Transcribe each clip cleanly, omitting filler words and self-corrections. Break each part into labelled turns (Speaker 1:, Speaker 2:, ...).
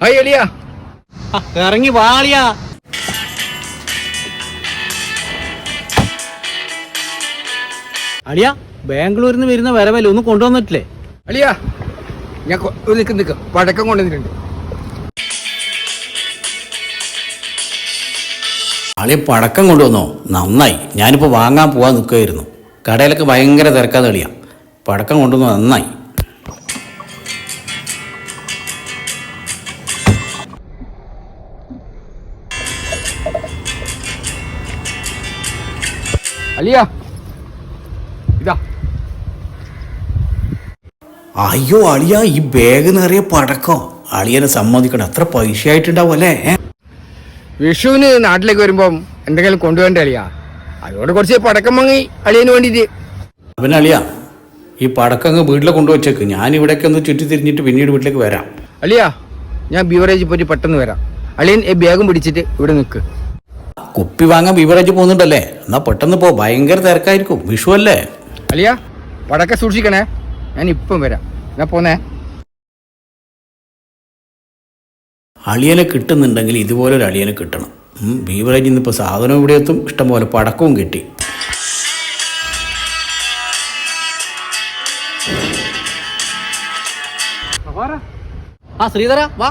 Speaker 1: Hi അളിയ.
Speaker 2: ഇറങ്ങി വാളിയാ. അളിയ ബാംഗ്ലൂരിൽ നിന്ന് വരുന്ന വരവല്ലേ ഒന്ന് കൊണ്ടുവന്നിട്ടില്ലേ?
Speaker 1: അളിയ ഞാൻ നിക്ക് പടക്കം കൊണ്ടുവന്നിട്ടുണ്ട്.
Speaker 3: അളിയ പടക്കം കൊണ്ടുവന്നോ? നന്നായി. ഞാനിപ്പോൾ വാങ്ങാൻ പോകാൻ നിൽക്കുമായിരുന്നു. കടയിലൊക്കെ ഭയങ്കര തിരക്കാതെ അളിയ. പടക്കം കൊണ്ടുവന്നു, നന്നായി.
Speaker 1: അളിയ ഇതാ.
Speaker 3: അയ്യോ അളിയ, ഈ ബാഗ് നിറയെ പടക്കോ. അളിയനെ സമ്മതിക്കണം, എത്ര പൈസ ആയിട്ടുണ്ടാവും അല്ലേ?
Speaker 1: വിഷുവിന് നാട്ടിലേക്ക് വരുമ്പം എന്തെങ്കിലും കൊണ്ടുപോകണ്ടേ അളിയ? അതുകൊണ്ട് കുറച്ച് പടക്കം വാങ്ങി അളിയന് വേണ്ടിയിട്ട്.
Speaker 3: പിന്നെ അളിയ, ഈ പടക്കം വീട്ടിലെ കൊണ്ടുവച്ചേക്ക്. ഞാൻ ഇവിടേക്ക് ഒന്ന് ചുറ്റി തിരിഞ്ഞിട്ട് പിന്നീട് വീട്ടിലേക്ക് വരാം.
Speaker 1: അളിയ ഞാൻ ബീവറേജിൽ പോയിട്ട് പെട്ടെന്ന് വരാം. അളിയൻ ഈ ബാഗും പിടിച്ചിട്ട് ഇവിടെ നിൽക്ക്.
Speaker 3: കുപ്പി വാങ്ങാൻ ബീവറേജ് പോകുന്നുണ്ടല്ലേ? എന്നാ പെട്ടെന്ന് പോ, ഭയങ്കര തിരക്കായിരിക്കും, വിഷു അല്ലേ.
Speaker 1: അളിയ പടക്കം സൂക്ഷിക്കണേ, ഞാൻ ഇപ്പം വരാം. ഞാൻ പോന്നേ.
Speaker 3: അളിയനെ കിട്ടുന്നുണ്ടെങ്കിൽ ഇതുപോലെ ഒരു അളിയനെ കിട്ടണം. ബീവറേജിൽ നിന്ന് ഇപ്പോൾ സാധനം ഇവിടെ എത്തും, ഇഷ്ടംപോലെ പടക്കവും കിട്ടി.
Speaker 2: ആ ശ്രീധര വാ.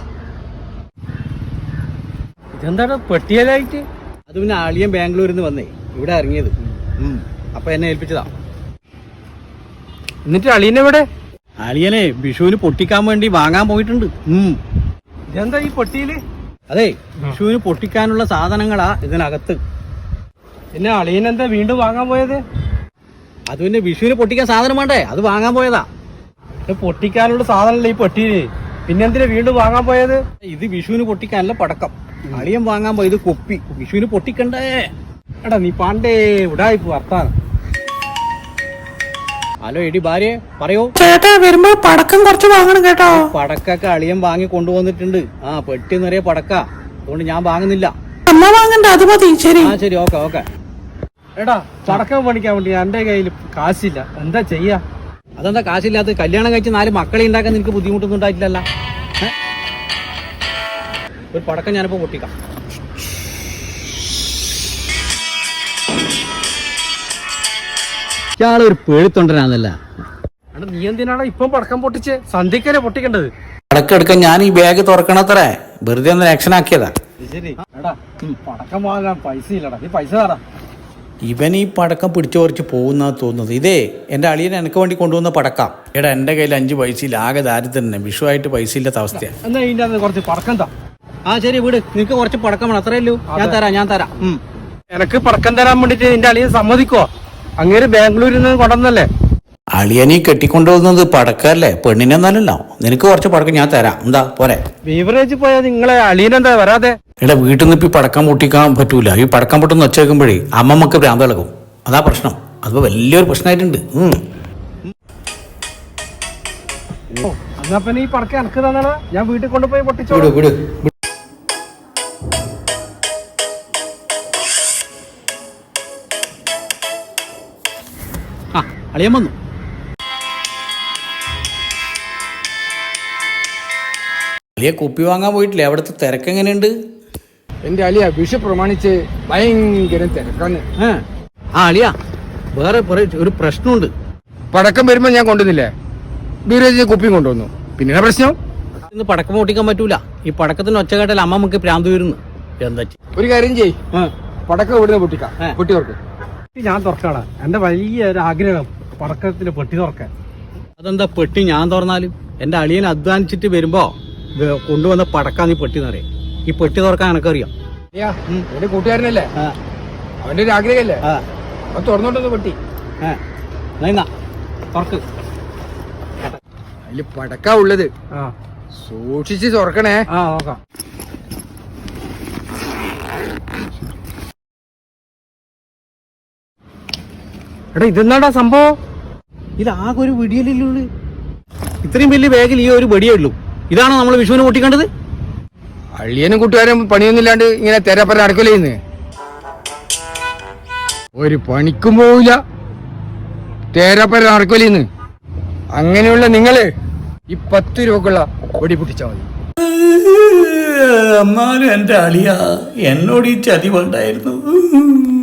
Speaker 4: ഇതെന്താണ് പെട്ടിയലായിട്ട്?
Speaker 2: അത് പിന്നെ അളിയൻ ബാംഗ്ലൂരിൽ നിന്ന് വന്നേ ഇവിടെ ഇറങ്ങിയത്. അപ്പൊ എന്നെ ഏൽപ്പിച്ചതാ.
Speaker 4: എന്നിട്ട് അളിയനെവിടെ?
Speaker 2: അളിയനെ വിഷുവിന് പൊട്ടിക്കാൻ വേണ്ടി വാങ്ങാൻ പോയിട്ടുണ്ട്.
Speaker 4: ഇതെന്താ ഈ പെട്ടിയില്?
Speaker 2: അതെ, വിഷുവിന് പൊട്ടിക്കാനുള്ള സാധനങ്ങളാ ഇതിനകത്ത്.
Speaker 4: പിന്നെ അളിയനെന്താ വീണ്ടും വാങ്ങാൻ പോയത്?
Speaker 2: അത് പിന്നെ വിഷുവിന് പൊട്ടിക്കാൻ സാധനം വേണ്ടേ, അത് വാങ്ങാൻ പോയതാ.
Speaker 4: ഇത് പൊട്ടിക്കാനുള്ള സാധനമല്ല ഈ പെട്ടിയില്, പിന്നെന്തിനാ വീണ്ടും വാങ്ങാൻ പോയത്?
Speaker 2: ഇത് വിഷുവിന് പൊട്ടിക്കാനല്ല പടക്കം. അളിയൻ വാങ്ങാൻ പോയത് കുപ്പി. വിഷുവിന് പൊട്ടിക്കണ്ടേ?
Speaker 4: എടാ നീ പാണ്ടേ ഉടായിപ്പ് വർത്താനം.
Speaker 2: ഹലോ എടി ഭാര്യ, പറയോ.
Speaker 3: ചേട്ടാ വരുമ്പോ പടക്കം കുറച്ച് വാങ്ങണം കേട്ടോ.
Speaker 2: പടക്കൊക്കെ അളിയൻ വാങ്ങി കൊണ്ടുവന്നിട്ടുണ്ട്. ആ പെട്ടി നിറയെ പടക്ക, അതുകൊണ്ട് ഞാൻ വാങ്ങുന്നില്ല.
Speaker 3: അമ്മ വാങ്ങണ്ട, അത് മതി. ശരി.
Speaker 2: ആ ശരി, ഓക്കെ ഓക്കെ.
Speaker 4: എടാ പടക്കം പണിക്കാൻ വേണ്ടി എന്റെ കയ്യിൽ കാശില്ല, എന്താ ചെയ്യാ?
Speaker 2: അതെന്താ കാശില്ലാത്ത? കല്യാണം കഴിച്ച് 4 മക്കളെ ഉണ്ടാക്കാൻ നിനക്ക് ബുദ്ധിമുട്ടൊന്നും ഉണ്ടായിട്ടില്ലല്ല. ഒരു പടക്കം ഞാനിപ്പോ പൊട്ടിക്കാം. ഇയാളൊരു പേടിത്തൊണ്ടനാന്നല്ല.
Speaker 4: എടാ നീ എന്തിനാണ് ഇപ്പം പടക്കം പൊട്ടിച്ച്? സന്ധ്യക്കല്ലേ പൊട്ടിക്കേണ്ടത്.
Speaker 3: പടക്കം എടുക്കാൻ ഞാൻ ഈ ബാഗ് തുറക്കണത്രേ, വെറുതെ ഒന്ന് ആക്ഷൻ ആക്കിയതാ.
Speaker 4: ശരി. എടാ പടക്കം വാങ്ങാൻ പൈസ ഇല്ലടാ, നീ പൈസ തരാ.
Speaker 3: ഇവൻ ഈ പടക്കം പിടിച്ചു കുറച്ച് പോകുന്ന തോന്നുന്നത്. ഇതേ എന്റെ അളിയൻ എനിക്ക് വേണ്ടി കൊണ്ടുവന്ന പടക്കാം. എടാ എന്റെ കയ്യിൽ 5 പൈസയില്ല, ആകെ ദാരിദ്ര്യം തന്നെ. വിഷുവായിട്ട് പൈസ ഇല്ലാത്ത അവസ്ഥയാണ്.
Speaker 4: എന്നാ ഇതിന്റെ അകത്ത് കുറച്ച് പടക്കം താ.
Speaker 2: ആ ശരി, വീട്. നിനക്ക് കുറച്ച് പടക്കം വേണം, അത്രയല്ലോ. ഞാൻ തരാം.
Speaker 4: എനക്ക് പടക്കം തരാൻ വേണ്ടിട്ട് നിന്റെ അളിയൻ സമ്മതിക്കോ? അങ്ങേര് ബാംഗ്ലൂരിൽ നിന്ന് കൊണ്ടുവന്നല്ലേ?
Speaker 3: അളിയനീ കെട്ടിക്കൊണ്ടുപോകുന്നത് പടക്കല്ലേ, പെണ്ണിനെന്നാലല്ലോ. നിനക്ക് കുറച്ച് പടക്കം ഞാൻ തരാം, എന്താ പോരെ?
Speaker 4: ബീവറേജ് പോയാ നിങ്ങളെ അളിയനെന്താ വരാതെ?
Speaker 3: എടാ വീട്ടിൽ നിന്ന് ഇപ്പൊ ഈ പടക്കം പൊട്ടിക്കാൻ പറ്റൂല. ഈ പടക്കം പൊട്ടുന്ന വെച്ചേക്കുമ്പോഴേ അമ്മമ്മക്ക് ഭ്രാന്ത് ഇളകും, അതാ പ്രശ്നം. അതിപ്പോ വലിയൊരു പ്രശ്നമായിട്ടുണ്ട്.
Speaker 4: എന്നാ പിന്നെ ഈ പടക്കം എനക്ക് തന്നാളാ, ഞാൻ വീട്ടിൽ കൊണ്ടുപോയി പൊട്ടിച്ചോ.
Speaker 3: വിട്.
Speaker 2: ആ അളിയൻ വന്നു.
Speaker 3: അളിയ കുപ്പി വാങ്ങാൻ പോയിട്ടില്ലേ? അവിടുത്തെ തിരക്ക് എങ്ങനെയുണ്ട്?
Speaker 1: എന്റെ അളിയ വിഷു പ്രമാണിച്ച് ഭയങ്കര തിരക്കാണ്.
Speaker 2: ആ അളിയ, വേറെ ഒരു പ്രശ്നമുണ്ട്.
Speaker 1: പടക്കം വരുമ്പോ ഞാൻ കൊണ്ടുവന്നില്ലേ, ബീവറേജിൽ കുപ്പിയും കൊണ്ടുവന്നു. പിന്നെ പ്രശ്നം
Speaker 2: ഇന്ന് പടക്കം പൊട്ടിക്കാൻ പറ്റൂല. ഈ പടക്കത്തിന് ഒച്ച കേട്ടാൽ അമ്മമ്മക്ക് പ്രാന്ത് വരുന്നു. എന്താ
Speaker 1: ഒരു കാര്യം ചെയ്, പടക്കം ഇവിടുന്ന് പൊട്ടിക്കാം. പൊട്ടി തുറക്ക്.
Speaker 4: ഞാൻ തുറക്കാടാ, എന്റെ വലിയ ഒരു ആഗ്രഹം പടക്കത്തിന് പെട്ടി തുറക്കാൻ.
Speaker 2: അതെന്താ പെട്ടി ഞാൻ തുറന്നാലും? എന്റെ അളിയൻ അധ്വാനിച്ചിട്ട് വരുമ്പോ കൊണ്ടുവന്ന പടക്കാ നീ പെട്ടി നിറയെ. ഈ പെട്ടി തുറക്കാൻ എനക്കറിയാം.
Speaker 1: എന്റെ കൂട്ടുകാരനല്ലേ, അവന്റെ ഒരു ആഗ്രഹമല്ലേ, അവൻ തുറന്നോണ്ടൊന്ന് പെട്ടി.
Speaker 2: തുറക്ക്.
Speaker 1: അതില് പടക്കാ ഉള്ളത്, സൂക്ഷിച്ച് തുറക്കണേ.
Speaker 4: നോക്കാം. എടാ ഇതെന്നാടാ സംഭവം?
Speaker 2: ഇതാകെ ഒരു വെടിയല്ലുള്ളൂ. ഇത്രയും വലിയ ബാഗിൽ ഈ ഒരു വെടിയേ ഉള്ളൂ. ഇതാണോ നമ്മൾ വിഷുവിന് പൊട്ടിക്കേണ്ടത്?
Speaker 1: അള്ളിയനും കൂട്ടുകാരും പണിയൊന്നുമില്ലാണ്ട് ഇങ്ങനെ തെരപ്പര നടക്കലേന്ന്. ഒരു പണിക്കും പോവില്ല, തേരപ്പര നടക്കലേന്ന്. അങ്ങനെയുള്ള നിങ്ങള് ഈ 10 രൂപക്കുള്ള വെടി പൊട്ടിച്ചാൽ മതി.
Speaker 3: എന്നാലും എൻ്റെ അളിയ എന്നോട് ഈ ചതി വേണ്ടായിരുന്നു.